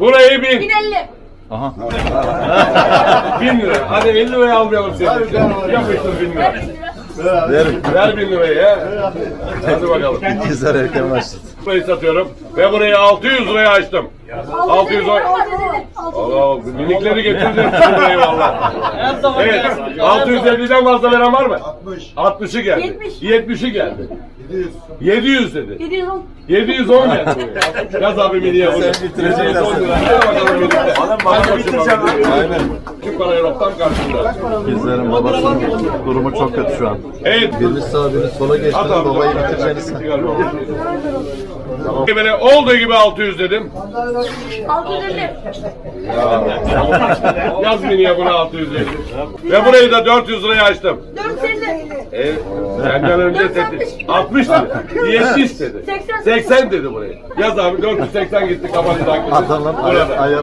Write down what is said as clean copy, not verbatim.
Burayı 1000. 1050. Aha. 1000 lira. Hadi 50 liraya almayalım seni. Yapıştır 1000 lira. Ver. Ver 1000 lirayı ya. Hadi bakalım. İkizler erken başladı. Burayı satıyorum. Ve burayı 600 liraya açtım. 600 lira. Allah minikleri getirdim burayı valla. Evet. 650'den fazla veren var mı? 60'ı geldi. 70'i geldi. 700 dedi. 710. 710 geldi. Yaz abi miniye bunu. Sen bitireceksin 710 lira. Hadi bakalım minikte. Hadi bitireceğim. Aynen. Şu parayı raftan karşında. İkizlerin babasının durumu çok kötü şu an. Evet. Biriniz sağa biriniz sola geçti. At abi. Babayı bitireceğiniz. Böyle olduğu gibi 600 dedim. 650. Yaz miniye bunu 600 dedim. Ve burayı da 400 liraya açtım. 450. Senden önce dedi. 60 dedi. 70 dedi. 80 dedi burayı. Yaz abi 480 gitti kapattı. Adamın Burada. ayağı